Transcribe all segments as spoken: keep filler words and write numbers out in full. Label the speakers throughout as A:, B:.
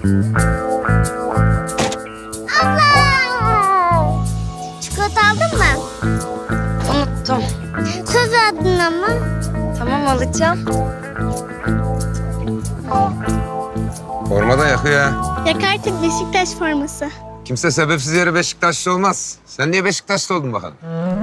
A: Abla! Çikolata aldın mı?
B: Unuttum.
A: Söz verdin ama.
B: Tamam, alacağım.
C: Forma da yakıyor ha.
A: Yak artık Beşiktaş forması.
C: Kimse sebepsiz yere Beşiktaşlı olmaz. Sen niye Beşiktaşlı oldun bakalım?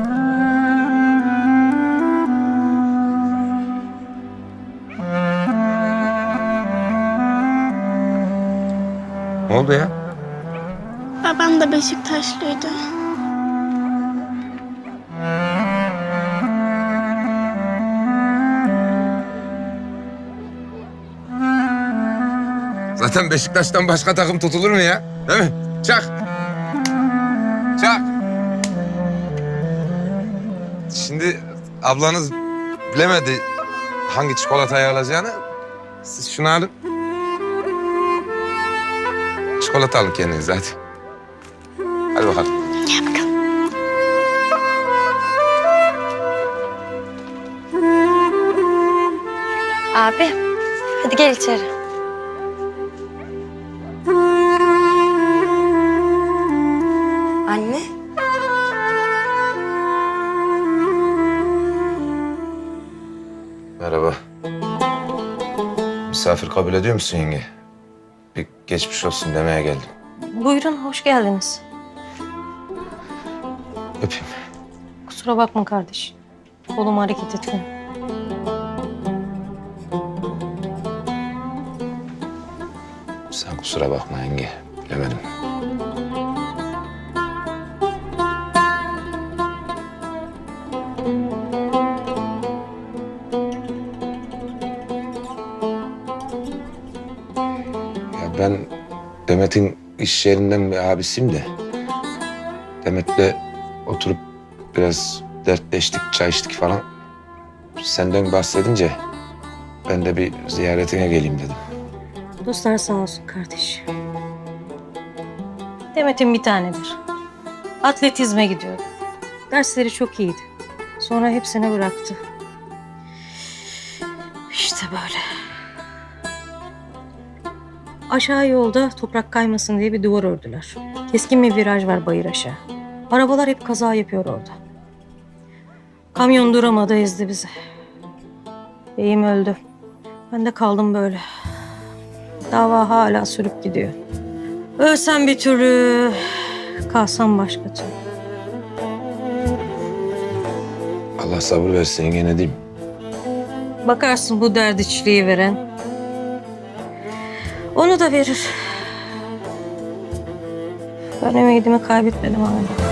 C: Ne oldu ya?
A: Babam da Beşiktaşlıydı.
C: Zaten Beşiktaş'tan başka takım tutulur mu ya? Değil mi? Çak. Çak. Şimdi ablanız bilemedi hangi çikolatayı alacağını. Siz şunu alın. Çikolata alın kendinize hadi. Hadi bakalım.
A: Gel bakalım.
B: Abi, hadi gel içeri. Anne.
C: Merhaba. Misafir kabul ediyor musun yenge? Bir geçmiş olsun demeye geldim.
D: Buyurun, hoş geldiniz.
C: Öpeyim.
D: Kusura bakma kardeş. Kolum hareket etmiyor.
C: Sen kusura bakma yenge. Bilemedim. Ya ben Demet'in iş yerinden bir abisiyim de. Demet'le oturup biraz dertleştik, çay içtik falan. Senden bahsedince ben de bir ziyaretine geleyim dedim.
D: Dostlar sağ olsun kardeş. Demet'in bir tanedir. Atletizme gidiyordu. Dersleri çok iyiydi. Sonra hepsini bıraktı. İşte böyle. Aşağı yolda toprak kaymasın diye bir duvar ördüler. Keskin bir viraj var bayır aşağı. Arabalar hep kaza yapıyor orada. Kamyon duramadı, ezdi bizi. Beyim öldü. Ben de kaldım böyle. Dava hala sürüp gidiyor. Ölsem bir türlü, kalsam başka türlü.
C: Allah sabır versin yenge ne diyeyim.
D: Bakarsın bu derdiçliği veren. Onu da verir. Ben ümidimi kaybetmedim hala.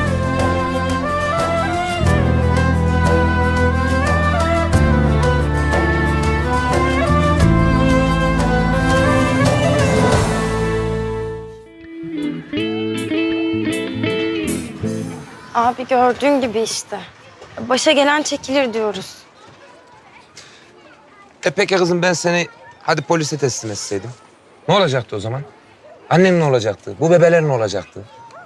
B: Abi gördüğün gibi işte. Başa gelen çekilir diyoruz.
C: E peki kızım ben seni hadi polise teslim etseydim. Ne olacaktı o zaman? Annem ne olacaktı? Bu bebeler ne olacaktı?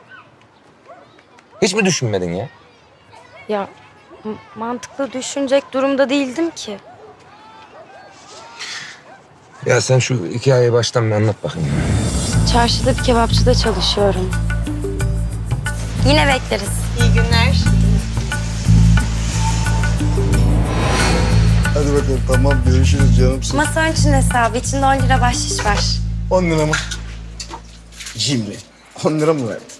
C: Hiç mi düşünmedin ya?
B: Ya m- mantıklı düşünecek durumda değildim ki.
C: Ya sen şu hikayeyi baştan bir anlat bakayım.
B: Çarşıda bir kebapçıda çalışıyorum. Yine bekleriz.
E: İyi günler.
F: Hadi bakalım tamam görüşürüz canımsın.
B: Masa için hesabı içinde on lira bahşiş var.
F: On lira mı? Cimri. On lira mı verdin?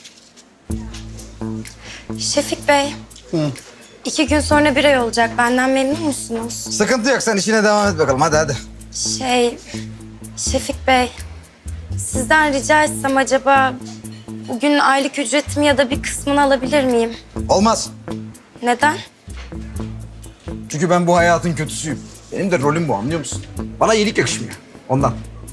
B: Şefik Bey.
F: Hı.
B: iki gün sonra bir ay olacak. Benden memnun musunuz?
F: Sıkıntı yok sen işine devam et bakalım hadi hadi.
B: Şey, Şefik Bey. Sizden rica etsem acaba bugün aylık ücretimi ya da bir kısmını alabilir miyim?
F: Olmaz.
B: Neden?
F: Çünkü ben bu hayatın kötüsüyüm. Benim de rolüm bu anlıyor musun? Bana iyilik yakışmıyor. Ondan.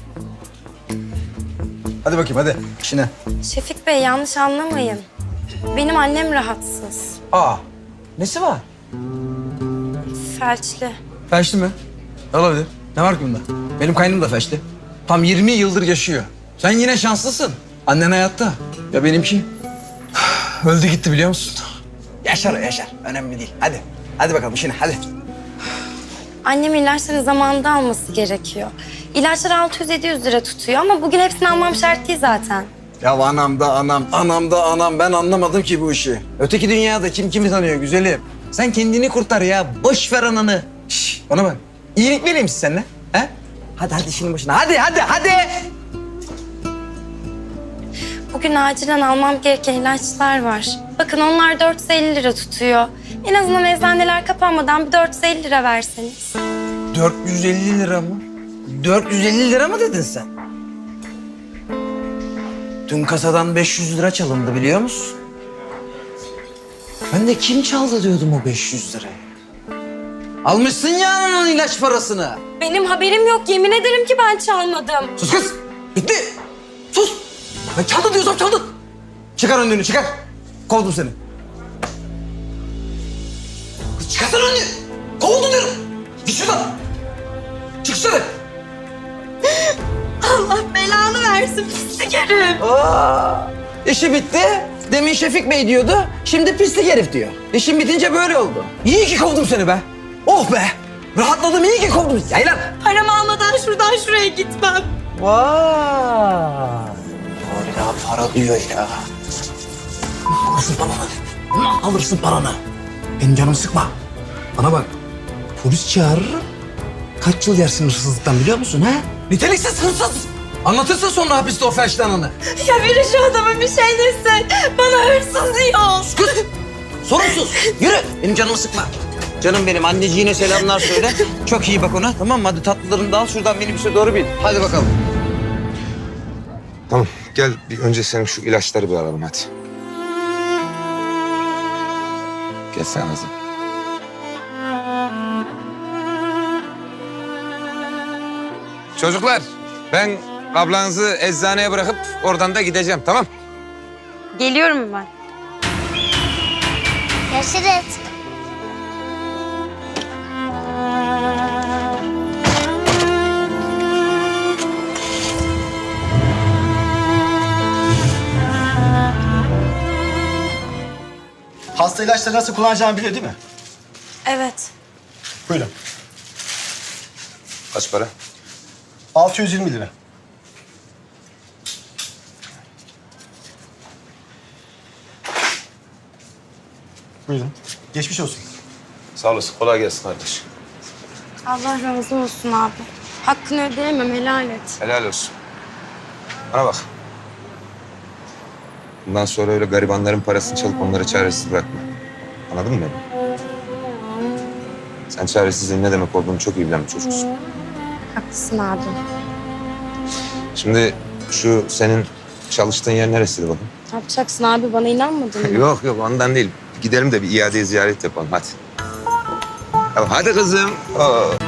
F: Hadi bakayım hadi işine.
B: Şefik Bey yanlış anlamayın. Benim annem rahatsız.
F: Aa nesi var?
B: Felçli.
F: Felçli mi? Olabilir. Ne var ki bunda? Benim kaynım da felçli. Tam yirmi yıldır yaşıyor. Sen yine şanslısın. Annen hayatta. Ya benimki öldü gitti biliyor musun? Yaşar o yaşar. Önemli değil. Hadi. Hadi bakalım işine hadi.
B: Annem ilaçları zamanında alması gerekiyor. İlaçlar altı yüz yedi yüz lira tutuyor ama bugün hepsini almam şart değil zaten.
F: Ya anam da anam, anam da anam. Ben anlamadım ki bu işi. Öteki dünyada kim kimi tanıyor güzelim. Sen kendini kurtar ya. Boş ver ananı. Şş, bana bak. İyilik vereyim siz seninle. He? Hadi hadi işinin başına. Hadi hadi hadi.
B: Bugün acilen almam gereken ilaçlar var. Bakın onlar dört yüz elli lira tutuyor. En azından eczaneler kapanmadan bir dört yüz elli lira verseniz.
F: dört yüz elli lira mı? dört yüz elli lira mı dedin sen? Dün kasadan beş yüz lira çalındı biliyor musun? Ben de kim çaldı diyordum o beş yüz lirayı. Almışsın ya ananın ilaç parasını.
B: Benim haberim yok. Yemin ederim ki ben çalmadım.
F: Sus kız. Bitti. Sus. Ben çaldı diyorsam çaldın. Çıkar önlüğünü çıkar. Kovdum seni. Kız çıkarsana önlüğü. Kovuldun diyorum. Git şuradan. Çık dışarı.
B: Allah belanı versin pislik herif.
F: Aa, işi bitti. Demin Şefik Bey diyordu. Şimdi pislik herif diyor. İşin bitince böyle oldu. İyi ki kovdum seni be. Oh be. Rahatladım iyi ki kovdum. Yay lan.
B: Paramı almadan şuradan şuraya gitmem.
F: Vay. Hala para diyor ya. Alırsın paranı. Alırsın paranı. Benim canımı sıkma. Bana bak. Polis çağırırım. Kaç yıl yersin hırsızlıktan biliyor musun ha? Niteliksiz hırsız. Anlatırsın sonra hapiste o felçlananı.
B: Ya biri şu adama bir şey dese bana hırsız diyor.
F: Kız. Sorumsuz. Yürü. Benim canımı sıkma. Canım benim anneciğine selamlar söyle. Çok iyi bak ona tamam mı? Hadi tatlılarını da al şuradan minibüse doğru bin. Hadi bakalım.
C: Tamam gel bir önce senin şu ilaçları bir alalım hadi. Gel sen Azam. Çocuklar ben ablanızı eczaneye bırakıp oradan da gideceğim tamam?
B: Geliyorum ben.
A: Görüşürüz.
E: Hasta ilaçları nasıl kullanacağını biliyor değil mi?
B: Evet.
E: Buyurun.
C: Kaç para?
E: altı yüz yirmi lira. Buyurun. Geçmiş olsun.
C: Sağ olasın kolay gelsin kardeş.
B: Allah razı olsun abi. Hakkını ödeyemem helal et.
C: Helal olsun. Bana bak. Bundan sonra öyle garibanların parasını çalıp onları çaresiz bırakma. Anladın mı beni? Sen çaresizliğin ne demek olduğunu çok iyi bilen bir çocuksun.
B: Haklısın abi.
C: Şimdi şu senin çalıştığın yer neresiydi bakın?
B: Ne yapacaksın abi bana inanmadın mı?
C: Yok yok ondan değil. Gidelim de bir iade ziyaret yapalım hadi. Tamam, hadi kızım. Oo.